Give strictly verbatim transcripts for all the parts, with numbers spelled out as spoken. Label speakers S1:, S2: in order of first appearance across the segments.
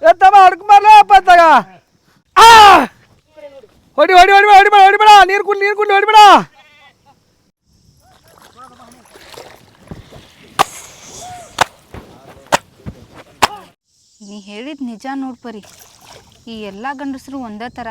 S1: ಎತ್ತಮ್ಮ ಹಡ್ಕೊಂಬರ್ಲ ಅಪ್ಪತ್ತಾಗ ಹೊಡಿ ಹೊಡಿ ಹೊಡಿ ಹೊಡಿಬೇಡ ಹೊಡಿಬೇಡ ನೀರು ಕುಂಡು ನೀರು ಕುಂಡು ಹೊಡಿಬೇಡ.
S2: ನೀ ಹೇಳಿದ ನಿಜ ನೋಡ್ಪರಿ, ಈ ಎಲ್ಲ ಗಂಡಸರು ಒಂದೇ ಥರ,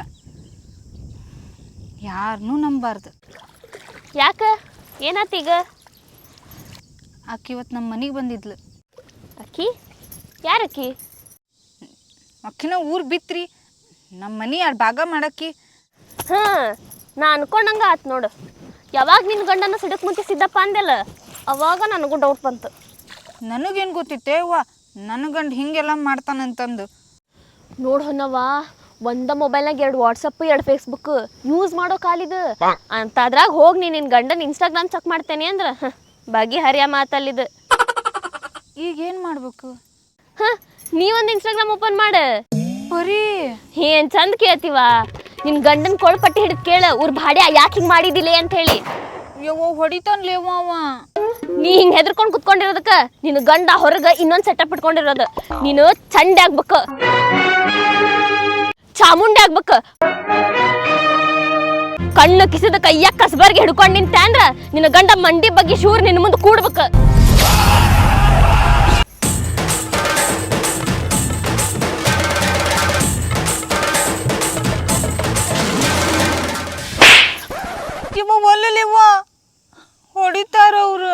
S2: ಯಾರನ್ನೂ ನಂಬಾರ್ದು.
S3: ಯಾಕೆ ಏನಾತೀಗ?
S2: ಆಕೆ ಇವತ್ತು ನಮ್ಮ ಮನೆಗೆ ಬಂದಿದ್ಲು.
S3: ಅಕ್ಕಿ ಯಾರಕ್ಕಿ?
S2: ಅಕ್ಕಿನ ಊರು ಬಿತ್ರಿ ನಮ್ಮ ಮನೆ ಎರಡು ಭಾಗ ಮಾಡಕ್ಕಿ.
S3: ಹಾಂ ನಾ ಅನ್ಕೊಂಡಂಗೆ ಆತು ನೋಡು. ಯಾವಾಗ ನಿನ್ನ ಗಂಡನ ಸಿಡಕ್ ಮುಂಚೆ ಸಿದ್ದಪ್ಪ ಅಂದೆಲ್ಲ ಅವಾಗ ನನಗೂ ಡೌಟ್ ಬಂತು.
S2: ನನಗೇನು ಗೊತ್ತಿತ್ತೆ ಅವ್ವ ನನ್ನ ಗಂಡು ಹಿಂಗೆಲ್ಲ ಮಾಡ್ತಾನಂತಂದು.
S3: ನೋಡು ಹೊನ್ನವ್ವ, ಒಂದ ಮೊಬೈಲ್ನಾಗ ಎರಡು ವಾಟ್ಸಪ್ ಎರಡು ಫೇಸ್ಬುಕ್ ಯೂಸ್ ಮಾಡೋ ಕಾಲಿದು ಅಂತ ಅದ್ರಾಗ ಹೋಗಿ ನೀನು ನಿನ್ನ ಗಂಡನ ಇನ್ಸ್ಟಾಗ್ರಾಮ್ ಚೆಕ್ ಮಾಡ್ತೇನೆ ಅಂದ್ರೆ ಬಗೆ ಹರಿಯ ಮಾತಲ್ಲಿದು.
S2: ಈಗೇನು ಮಾಡ್ಬೇಕು?
S3: ಹಾಂ ನೀವೊಂದು ಇನ್ಸ್ಟಾಗ್ರಾಮ್ ಓಪನ್ ಮಾಡು.
S2: ಬರೀ
S3: ಏನ್ ಚಂದ ಕೇಳ್ತೀವ, ನಿನ್ ಗಂಡನ ಕೊಳ್ ಪಟ್ಟಿ ಹಿಡಿದು ಕೇಳ ಊರ್ ಭಾಡ್ಯ ಯಾಕೆ ಹಿಂಗೆ ಮಾಡಿದಿಲ್ಲ ಅಂತ ಹೇಳಿ.
S2: ಯವ್ವ ಹೊಡಿತಾನ್ಲೇವ ಅವ.
S3: ನೀ ಹಿಂಗೆ ಹೆದರ್ಕೊಂಡು ಕುತ್ಕೊಂಡಿರೋದಕ್ಕ ನಿನ್ನ ಗಂಡ ಹೊರಗೆ ಇನ್ನೊಂದು ಸೆಟಪ್ ಇಟ್ಕೊಂಡಿರೋದು. ನೀನು ಚಂಡೆ ಆಗ್ಬೇಕು, ಚಾಮುಂಡಿ ಆಗ್ಬೇಕು. ಕಣ್ಣು ಕಿಸಿದ ಕೈಯಾಗ ಕಸಬರ್ಗೆ ಹಿಡ್ಕೊಂಡು ನಿಂತ ಅಂದ್ರ ನಿನ್ನ ಗಂಡ ಮಂಡಿ ಬಗ್ಗೆ ಶೂರ್ ನಿನ್ನ ಮುಂದೆ ಕೂಡ್ಬೇಕು.
S2: ಇವ ಒಲ್ಲಲಿವ ಹೊಡಿತಾರ ಅವ್ರು.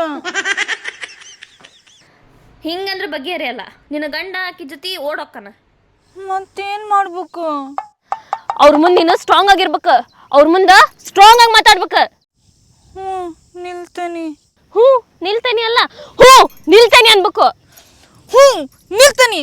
S3: ಹಿಂಗಂದ್ರೆ ಬಗೆಹರಿಯಲ್ಲ. ನಿನ್ನ ಗಂಡ ಆಕಿ ಜೊತೆ ಓಡೋಕ್ಕನ.
S2: ಮತ್ತೇನ್ ಮಾಡ್ಬೇಕು?
S3: ಅವ್ರ ಮುಂದೆ ನೀನು ಸ್ಟ್ರಾಂಗ್ ಆಗಿರ್ಬೇಕು. ಅವ್ರ ಮುಂದೆ ಸ್ಟ್ರಾಂಗ್ ಆಗಿ ಮಾತಾಡ್ಬೇಕು.
S2: ಹ್ಞೂ ನಿಲ್ತಾನಿ.
S3: ಹ್ಞೂ ನಿಲ್ತಾನಿ ಅಲ್ಲ, ಹ್ಞೂ ನಿಲ್ತಾನಿ ಅನ್ಬೇಕು.
S2: ಹ್ಞೂ ನಿಲ್ತಾನಿ.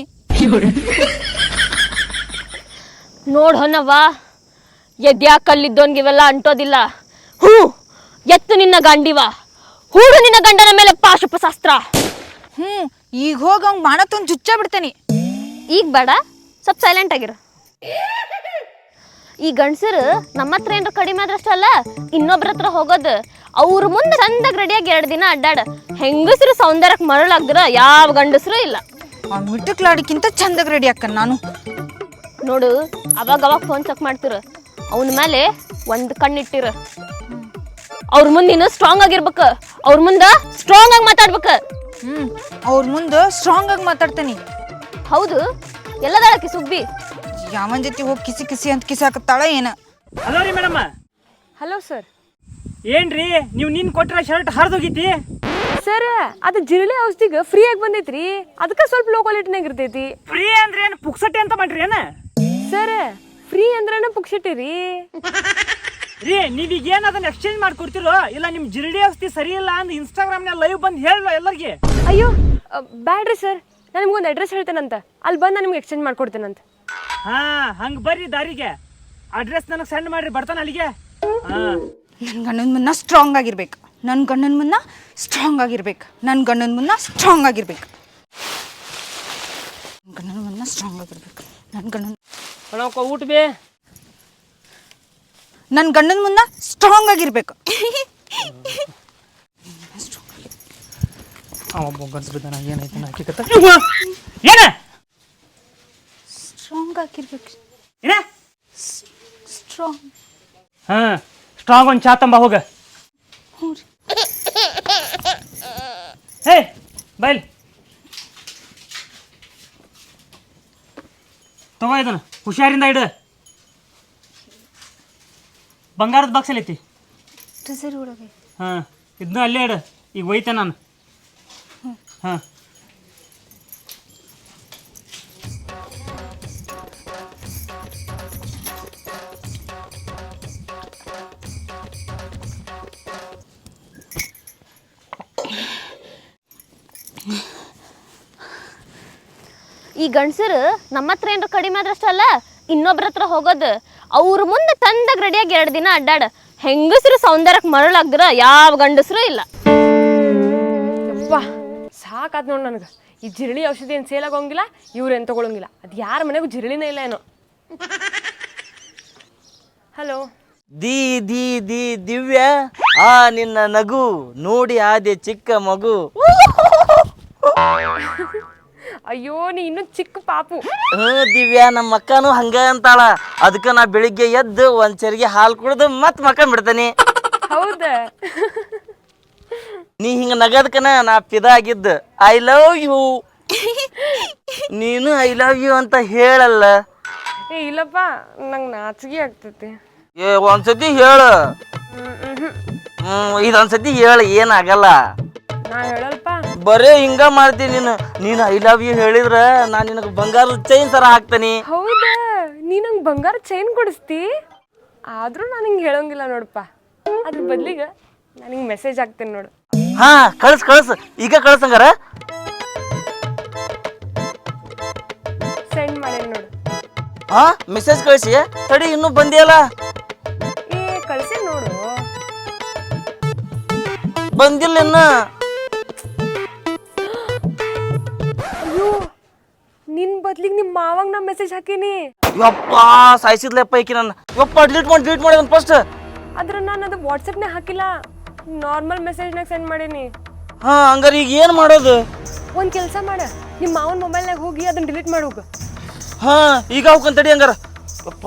S3: ನೋಡ್ ಹೊನ್ನವ್ವ, ಎದ್ಯಾ ಕಲ್ಲಿದ್ದೋನ್ಗಿವೆಲ್ಲ ಅಂಟೋದಿಲ್ಲ. ಹ್ಞೂ ಎತ್ತು ನಿನ್ನ ಗಂಡಿವ, ಹೂಡು ನಿನ್ನ ಗಂಡನ ಮೇಲೆ ಪಾಶುಪಶಾಸ್ತ್ರ.
S2: ಹ್ಞೂ ಈಗ ಹೋಗಿ ಹಂಗೆ ಮಾಡತ್ತೊಂದು ಜುಚ್ಚ ಬಿಡ್ತೇನೆ.
S3: ಈಗ ಬೇಡ, ಸ್ವಲ್ಪ ಸೈಲೆಂಟ್ ಆಗಿರು. ಈ ಗಂಡಸರು ನಮ್ಮ ಹತ್ರ ಏನಾರ ಕಡಿಮೆ ಆದ್ರಷ್ಟಲ್ಲ ಇನ್ನೊಬ್ರ ಹತ್ರ ಹೋಗೋದು. ಅವ್ರ ಮುಂದೆ ಚಂದಾಗ ರೆಡಿಯಾಗಿ ಎರಡು ದಿನ ಅಡ್ಡಾಡ. ಹೆಂಗಸರು ಸೌಂದರ್ಯಕ್ಕೆ ಮರಳಾಗ್ದ್ರ ಯಾವ ಗಂಡಸರು ಇಲ್ಲ.
S2: ಆ ಮಿಟ್ಟಕ್ಲಾಡಿಕ್ಕಿಂತ ಚಂದಾಗ ರೆಡಿ ಹಾಕನ್ ನಾನು.
S3: ನೋಡು, ಅವಾಗ ಅವಾಗ ಫೋನ್ ಚೆಕ್ ಮಾಡ್ತಿರ. ಅವನ ಮೇಲೆ ಒಂದು ಕಣ್ಣಿಟ್ಟಿರ. ಅವ್ರ ಮುಂದೆ ನೀನು ಸ್ಟ್ರಾಂಗ್ ಆಗಿರ್ಬೇಕು. ಅವ್ರ ಮುಂದೆ ಸ್ಟ್ರಾಂಗ್ ಆಗಿ ಮಾತಾಡ್ಬೇಕು.
S2: ಹ್ಞೂ ಅವ್ರ ಮುಂದೆ ಸ್ಟ್ರಾಂಗ್ ಆಗಿ ಮಾತಾಡ್ತೇನೆ.
S3: ಹೌದು, ಎಲ್ಲದಾಳಕಿ ಸುಬ್ಬಿ
S2: ಯಾವನ್ ಜೊತೆ ಹೋಗಿ ಕಿಸಿ ಕಿಸಿ ಅಂತ ಕಿಸಾಕತ್ತಾಳ ಏನ.
S4: ಹಲೋ ರೀ ಮೇಡಮ್.
S5: Hello sir.
S4: ಏನ್ರಿ ನೀವು ನೀನ್ ಕೊಟ್ಟಿರೋ ಶರ್ಟ್ ಹರಿದೋಗೈತಿ
S5: ಸರ್? ಅದು ಜಿರಳೆ ಔಷಧಿಗೆ ಫ್ರೀ ಆಗಿ ಬಂದೈತ್ರಿ, ಅದಕ್ಕೆ ಸ್ವಲ್ಪ ಲೋ ಕ್ವಾಲಿಟಿನಾಗ ಇರ್ತೈತಿ.
S4: ಫ್ರೀ ಅಂದ್ರೆ ಏನು ಪುಕ್ಸಟ್ಟೆ ಅಂತ ಮಾಡ್ರಿ ಏನ?
S5: ಸರ್ ಫ್ರೀ ಅಂದ್ರನ ಪುಕ್ಷಟಿ ರೀ.
S4: ರೀ ನೀವೀಗ ಏನು ಅದನ್ನ ಎಕ್ಸ್ಚೇಂಜ್ ಮಾಡ್ಕೊಡ್ತಿರೋ ಇಲ್ಲ ನಿಮ್ಮ ಜಿರಳೆ ಔಷಧಿ ಸರಿ ಇಲ್ಲ ಅಂದ್ ಇನ್ಸ್ಟಾಗ್ರಾಮ್ನಾಗ ಲೈವ್ ಬಂದು ಹೇಳ ಎಲ್ಲರಿಗೆ.
S5: ಅಯ್ಯೋ ಬ್ಯಾಡ್ರಿ ಸರ್, ನಾನು ನಿಮ್ಗೊಂದು ಅಡ್ರೆಸ್ ಹೇಳ್ತೇನಂತ, ಅಲ್ಲಿ ಬಂದು ನಾನು ನಿಮ್ಗೆ ಎಕ್ಸ್ಚೇಂಜ್ ಮಾಡ್ಕೊಡ್ತೇನಂತ.
S4: ಹಾ ಹಂಗೆ ಬರ್ರಿ ದಾರಿಗೆ, ಅಡ್ರೆಸ್ ನನಗೆ ಸೆಂಡ್ ಮಾಡ್ರಿ, ಬರ್ತಾನೆ ಅಲ್ಲಿಗೆ. ಹಾ
S2: ನನ್ನ ಗಂಡನ ಮುನ್ನ ಸ್ಟ್ರಾಂಗ್ ಆಗಿರ್ಬೇಕು. ನನ್ನ ಗಂಡನ ಮುನ್ನ ಸ್ಟ್ರಾಂಗ್ ಆಗಿರ್ಬೇಕು. ನನ್ನ ಗಂಡನ ಮುನ್ನ ಸ್ಟ್ರಾಂಗ್ ಆಗಿರ್ಬೇಕು. ಗಂಡನ ಮುನ್ನ ಸ್ಟ್ರಾಂಗ್ ಆಗಿರ್ಬೇಕು. ನನ್ನ ಗಂಡನ
S4: ಅಣ್ಣ ಊಟ ಬೇ.
S2: ನನ್ನ ಗಂಡನ ಮುನ್ನ ಸ್ಟ್ರಾಂಗ್ ಆಗಿರ್ಬೇಕು.
S4: ಒಬ್ಬ ಗಂಡಸ ಬಿದ್ದಾನ, ಏನೈತೆ ಹಾಕಿಕತ್ತ ಏನ
S2: ಸ್ಟ್ರಾಂಗ್ ಆಗಿರ್ಬೇಕು.
S4: ಏನ
S2: ಸ್ಟ್ರಾಂಗ್.
S4: ಹಾ ಸ್ಟ್ರಾಂಗ್ ಒಂದು ಚಾ ತಂಬ ಹೋಗ.
S2: ಹ್ಞೂ ರೀ.
S4: ಹೇ ಬೈಲ್ ತಗೋ ಇದನ್ನ, ಹುಷಾರಿಂದ ಇಡು. ಬಂಗಾರದ ಬಾಕ್ಸ್ ಐತಿ.
S2: ಟ್ರೆಸರಿ ಒಳಗೆ.
S4: ಹಾಂ ಇದನ್ನ ಅಲ್ಲೇ ಇಡು, ಈಗ ಒಯ್ತೆ ನಾನು. ಹಾಂ
S3: ಈ ಗಂಡಸರು ನಮ್ಮ ಹತ್ರ ಏನಾರ ಕಡಿಮೆ ಆದ್ರಷ್ಟಲ್ಲ ಇನ್ನೊಬ್ರ ಹತ್ರ ಹೋಗೋದು. ಅವ್ರ ಮುಂದೆ ತಂದಾಗ ರೆಡಿಯಾಗಿ ಎರಡು ದಿನ ಅಡ್ಡಾಡ. ಹೆಂಗಸರು ಸೌಂದರ್ಯಕ್ಕೆ ಮರಳಾಗ್ದ್ರ ಯಾವ ಗಂಡಸರು ಇಲ್ಲ.
S5: ಯಪ್ಪ ಸಾಕಾದ್ ನೋಡಿ ನನಗೆ. ಈ ಜಿರಳಿ ಔಷಧಿ ಏನು ಸೇಲ್ ಆಗೋಂಗಿಲ್ಲ, ಇವ್ರೇನು ತೊಗೊಳಂಗಿಲ್ಲ. ಅದು ಯಾರ ಮನೆಗೂ ಜಿರಳಿನೇ ಇಲ್ಲ ಏನೋ. ಹಲೋ
S6: ದಿ ದಿ ದಿ ದಿವ್ಯ, ಆ ನಿನ್ನ ನಗು ನೋಡಿ ಆದೆ ಚಿಕ್ಕ ಮಗು.
S5: ಅಯ್ಯೋ ನೀ ಇನ್ನೂ ಚಿಕ್ಕ ಪಾಪು.
S6: ಹ್ಞೂ ದಿವ್ಯಾ, ನಮ್ಮ ಅಕ್ಕನೂ ಹಂಗ ಅಂತಾಳ. ಅದಕ್ಕೆ ನಾ ಬೆಳಿಗ್ಗೆ ಎದ್ದು ಒಂದ್ ಚರಿಗೆ ಹಾಲು ಕುಡ್ದು ಮತ್ ಮಕ್ಕಂಡ್ ಬಿಡ್ತೇನಿ.
S5: ಹೌದ?
S6: ನೀ ಹಿಂಗ ನಗದ್ಕನ ನಾ ಪಿದ ಆಗಿದ್ದ. I love you. ನೀನು ಐ ಲವ್ ಯು ಅಂತ ಹೇಳಲ್ಲ.
S5: ಏ ಇಲ್ಲಪ್ಪ, ನಂಗೆ ನಾಚಿಗೆ ಆಗ್ತೈತಿ.
S6: ಏ ಒಂದ್ಸತಿ ಹೇಳ. ಹ್ಮ್ ಇದೊಂದ್ಸತಿ ಹೇಳ, ಏನಾಗಲ್ಲ.
S5: ನಾ ಹೇಳಲ್ಪ.
S6: ಬರೇ ಹಿಂಗ ಮಾಡ್ತೀನಿ ನೀನು. ನೀನು ಐ ಲವ್ ಯು ಹೇಳಿದ್ರ ನಾ ನಿನಗೆ ಬಂಗಾರದ ಚೈನ್ ಸರ ಹಾಕ್ತೇನಿ.
S5: ಹೌದಾ? ನೀ ನಂಗೆ ಬಂಗಾರ ಚೈನ್ ಕೊಡಿಸ್ತಿ? ಆದ್ರೂ ನಾನು ಹಿಂಗೆ ಹೇಳೋಂಗಿಲ್ಲ ನೋಡಪ್ಪ. ಅದ್ರ ಬದ್ಲಿಗೆ ನಾನು ಹಿಂಗೆ ಮೆಸೇಜ್ ಹಾಕ್ತೇನೆ ನೋಡು.
S6: ಹಾ ಕಳ್ಸ್ ಕಳ್ಸ್, ಈಗ ಕಳ್ಸಂಗಾರ.
S5: ಸೆಂಡ್ ಮಾಡೇನಿ ನೋಡು.
S6: ಹಾ ಮೆಸೇಜ್ ಕಳ್ಸಿ. ತಡಿ, ಇನ್ನೂ ಬಂದಿಯಲ್ಲ.
S5: ಏ ಕಳ್ಸಿ ನೋಡು.
S6: ಬಂದಿಲ್ಲ ಇನ್ನು.
S5: ಅಯ್ಯೋ, ನಿನ್ ಬದ್ಲಿಗೆ ನಿಮ್ಮ ಮಾವಂಗ ನಾ ಮೆಸೇಜ್ ಹಾಕೀನಿ.
S6: ಯಪ್ಪ ಸಾಯಿಸಿದ್ಲಪ್ಪ ಈಕಿ ನನ್ನ. ಯಪ್ಪ ಡಿಲೀಟ್ ಮಾಡಿ ಡಿಲೀಟ್ ಮಾಡಿ ಒಂದು ಫಸ್ಟ್.
S5: ಆದ್ರೆ ನಾನು ಅದು ವಾಟ್ಸಪ್ನಾಗ ಹಾಕಿಲ್ಲ, ನಾರ್ಮಲ್ ಮೆಸೇಜ್ನಾಗ ಸೆಂಡ್ ಮಾಡೀನಿ.
S6: ಹಾ ಹಂಗಾರೆ ಈಗ ಏನು ಮಾಡೋದು?
S5: ಒಂದು ಕೆಲಸ ಮಾಡ, ನಿಮ್ಮ ಮಾವನ ಮೊಬೈಲ್ನಾಗ ಹೋಗಿ ಅದನ್ನ ಡಿಲೀಟ್ ಮಾಡೋಗ.
S6: ಹಾ ಈಗ ಹೋಗ್ಕೊಂಡ್ ತಡಿ ಹಂಗಾರ. ಯಪ್ಪ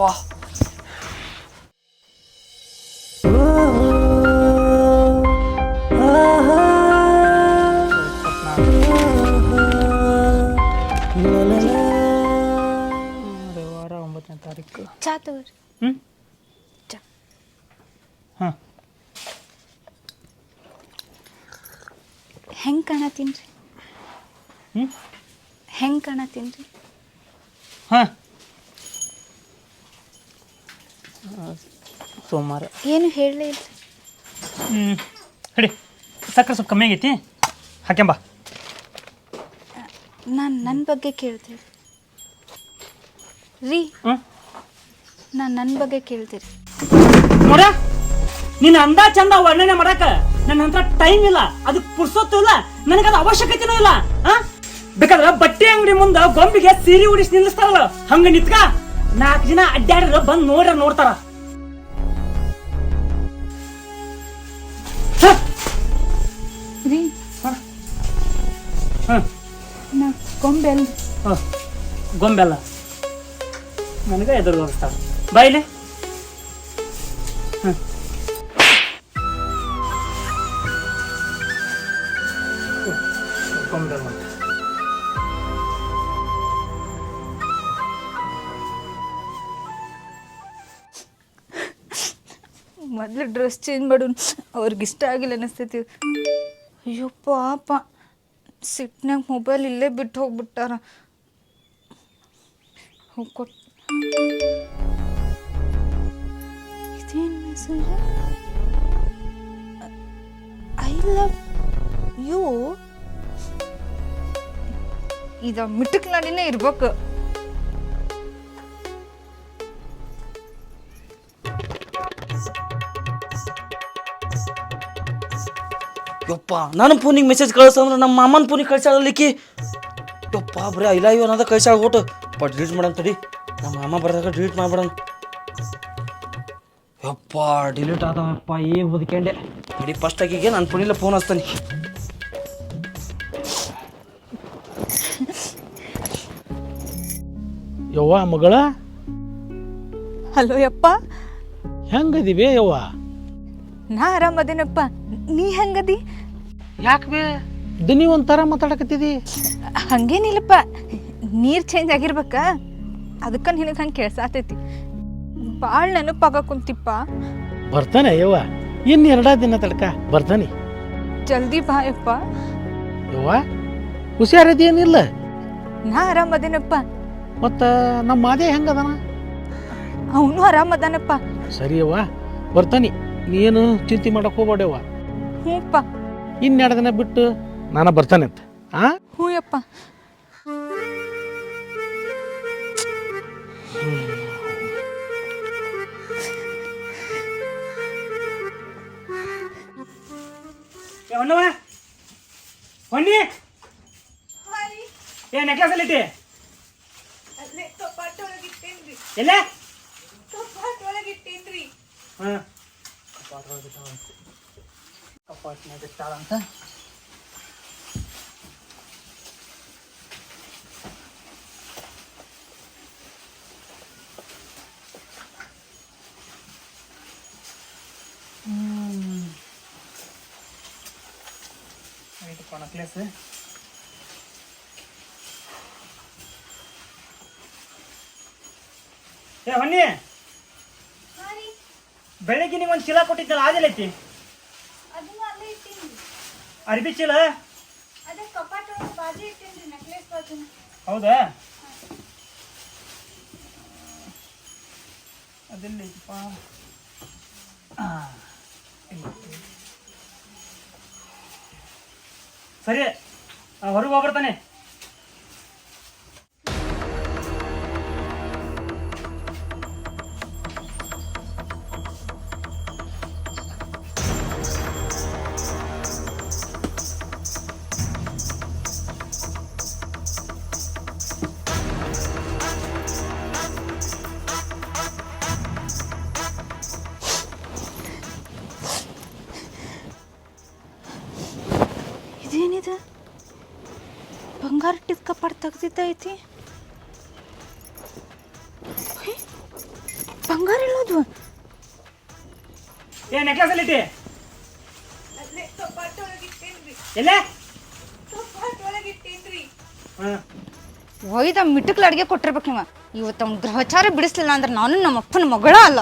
S4: ವಾರ ಒಂಬತ್ತನೇ ತಾರೀಕು.
S2: ಚಾ ತಗೋರಿ.
S4: ಹ್ಞೂ
S2: ಚಾ.
S4: ಹಾಂ
S2: ಹೆಂಗೆ ಕಾಣತ್ತೀನಿ ರೀ?
S4: ಹ್ಞೂ
S2: ಹೆಂಗೆ ಕಾಣತ್ತೀನಿ ರೀ?
S4: ಹಾಂ ಸೋಮವಾರ.
S2: ಏನು ಹೇಳಲೇ ಇಲ್ಲ.
S4: ಹ್ಞೂ ಹೇಳಿ, ಸಕ್ಕರೆ ಸ್ವಲ್ಪ ಕಮ್ಮಿ ಆಗೈತಿ, ಹಾಕ್ಯಂಬ.
S2: ನಾನು ನನ್ನ ಬಗ್ಗೆ ಕೇಳ್ತೀರಿ ರೀ?
S4: ಹ್ಞೂ
S2: ನಾನು ನನ್ನ ಬಗ್ಗೆ ಕೇಳ್ತೀರಿ?
S4: ನೋಡ, ನಿನ್ನ ಅಂದ ಚಂದ ವರ್ಣನೆ ಮಾಡಕ ನನ್ನ ಹತ್ರ ಟೈಮ್ ಇಲ್ಲ, ಅದಕ್ಕೆ ಪುರ್ಸೊತ್ತು ಇಲ್ಲ, ನನಗದು ಅವಶ್ಯಕತೆನೂ ಇಲ್ಲ. ಹಾ ಬೇಕಾದ್ರೆ ಬಟ್ಟೆ ಅಂಗಡಿ ಮುಂದೆ ಗೊಂಬಿಗೆ ಸೀರೆ ಉಡಿಸಿ ನಿಲ್ಲಿಸ್ತಾರಲ್ಲ, ಹಂಗ ನಿತ್ಕ ನಾಲ್ಕು ಜನ ಅಡ್ಡಾಡ್ರ ಬಂದು ನೋಡ್ರ ನೋಡ್ತಾರ.
S2: ರೀ ನಾ ಗೊಂಬೆ ಅಲ್ಲ.
S4: ಗೊಂಬೆಲ್ಲ ನನಗೆ ಎದುರು ಹೋಗಿಸ್ತಾರ. ಬಾಯಿಲೆ ಹ್ಞೂ ಗೊಂಬೆ ಮಾಡಿ
S2: ಮೊದಲು ಡ್ರೆಸ್ ಚೇಂಜ್ ಮಾಡು, ಅವ್ರಿಗೆ ಇಷ್ಟ ಆಗಿಲ್ಲ ಅನ್ನಿಸ್ತೈತಿ. ಅಯ್ಯೋ ಪಾಪ, ಸಿಟ್ನಾಗ ಮೊಬೈಲ್ ಇಲ್ಲೇ ಬಿಟ್ಟು ಹೋಗ್ಬಿಟ್ಟಾರ. ಹೋಗ್ಕೊಟ್ ಇದೇನು ಮೆಸೇಜ್? I love you. ಇದ ಮಿಟಕ್ ನಾಡಿನೇ ಇರ್ಬೇಕು.
S6: ಯಪ್ಪ ನನ್ನ ಫೋನಿಗೆ ಮೆಸೇಜ್ ಕಳ್ಸಂದ್ರೆ ನಮ್ಮ ಮಾಮನ ಫೋನಿಗೆ ಕಳ್ಸಾಳಲಿಕ್ಕಿ. ಯಪ್ಪ ಬರೀ ಐ ಲವ್ ಯು ಅನ್ನೋದ ಕಳ್ಸಾಳ ಓಟು. ಯಪ್ಪ ಡಿಲೀಟ್ ಮಾಡೋಣ ತಡಿ, ನಮ್ಮ ಮಾಮ ಬರ್ದಾಗ ಡಿಲೀಟ್ ಮಾಡ್ಬಿಡೋಣ. ಯಪ್ಪ ಡಿಲೀಟ್ ಆದವಪ್ಪ, ಏನು ಬದುಕೊಂಡೆ. ತಡಿ ಫಸ್ಟ್ ಆಗಿಗೆ ನನ್ನ ಫೋನಿಲ್ಲ ಫೋನ್ ಹಚ್ತಾನೆ.
S7: ಯವ್ವ ಮಗಳ,
S2: ಹಲೋ ಯಪ್ಪ.
S7: ಹೆಂಗದಿವೆ ಯವ್ವ?
S2: ನಾ ಆರಾಮದೇನಪ್ಪ, ನೀ ಹೆಂಗದಿ?
S7: ಯಾಕೆ ಬೇ ದನಿ ಒಂಥರ ಮಾತಾಡಕತ್ತಿದಿ?
S2: ಹಂಗೇನಿಲ್ಲಪ್ಪ, ನೀರು ಚೇಂಜ್ ಆಗಿರ್ಬೇಕ, ಅದಕ್ಕೆ ನಿನಗೆ ಹಂಗೆ ಕೇಳ್ಸಾತೈತಿ. ಭಾಳ ನೆನಪಾಗ ಕುಂತಿಪ್ಪ.
S7: ಬರ್ತಾನೆ ಯವ್ವ, ಇನ್ನು ಎರಡ ದಿನ ತಡ್ಕ ಬರ್ತಾನೆ.
S2: ಜಲ್ದಿ ಬಾ ಯಪ್ಪ.
S7: ಯವ್ವ ಹುಷಾರದೇನಿಲ್ಲ?
S2: ನಾ ಆರಾಮದೇನಪ್ಪ.
S7: ಮತ್ತು ನಮ್ಮ ಮಾದೇ ಹೆಂಗದನ?
S2: ಅವನು ಆರಾಮದಾನಪ್ಪ.
S7: ಸರಿ ಯವ್ವ, ಬರ್ತಾನೆ, ನೀನು ಚಿಂತೆ ಮಾಡಕ್ಕೆ ಹೋಗ್ಬೇಡವ್ವ.
S2: ಹ್ಞೂಪ್ಪ.
S7: ಇನ್ನೆರಡು ದಿನ ಬಿಟ್ಟು ನಾನು ಬರ್ತಾನೆ ಅಂತ. ಆ
S2: ಹ್ಞೂ ಯಪ್ಪ.
S4: ಹೊನ್ನವ ಹೊನ್ನಿ, ಏ ನೆಕ್ಲೆಸ್ ಅಲ್ಲಿ ಇಟ್ಟಿ? ಎಲ್ಲ ಹಾಂ ಕಪಾಟ್ನಾಗ ಇಟ್ಟಾಳಂತ. ನೆಕ್ಲೆಸ್ ಏ ಹೊನ್ನಿ ಬೆಳಿಗ್ಗೆ ನೀವು ಒಂದು ಚೀಲ ಕೊಟ್ಟಿದ್ದಲ್ಲ ಆದಿಲ್ಲ ಐತಿ ಅರ್ಬಿ ಚೀಲ ಹೌದಾ ಅದೆಲ್ಲ ಐತಿಪ್ಪ ಸರಿ ಹೊರಗೆ ಹೋಗ್ಬರ್ತಾನೆ
S2: ಇದೇನಿದು ಬಂಗಾರ ಟಿಕ್ಕ ಪಡ್ ತೆಗ್ದಿದ್ದೈತಿ ಬಂಗಾರ ಇಲ್ಲೋದು
S4: ಏ ನೆಕ್ಲೆಸ್ ಅಲ್ಲಿ ಇಟ್ಟಿ ಎಲ್ಲ
S2: ಒಯ್ದ ಮಿಟ್ಟಕ್ಲ ಅಡಿಗೆ ಕೊಟ್ಟಿರ್ಬೇಕು ನೀವು ಇವತ್ತು ಅವ್ನ ಗ್ರಹಚಾರ ಬಿಡಿಸ್ಲಿಲ್ಲ ಅಂದ್ರೆ ನಾನು ನಮ್ಮ ಅಪ್ಪನ ಮಗಳ ಅಲ್ಲ.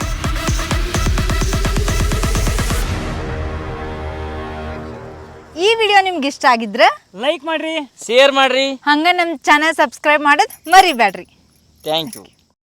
S2: ಈ ವಿಡಿಯೋ ನಿಮ್ಗೆ ಇಷ್ಟ ಆಗಿದ್ರೆ
S4: ಲೈಕ್ ಮಾಡ್ರಿ
S6: ಶೇರ್ ಮಾಡ್ರಿ
S2: ಹಂಗ ನಮ್ಮ ಚಾನಲ್ ಸಬ್ಸ್ಕ್ರೈಬ್ ಮಾಡೋದು ಮರಿಬೇಡ್ರಿ.
S6: Thank you.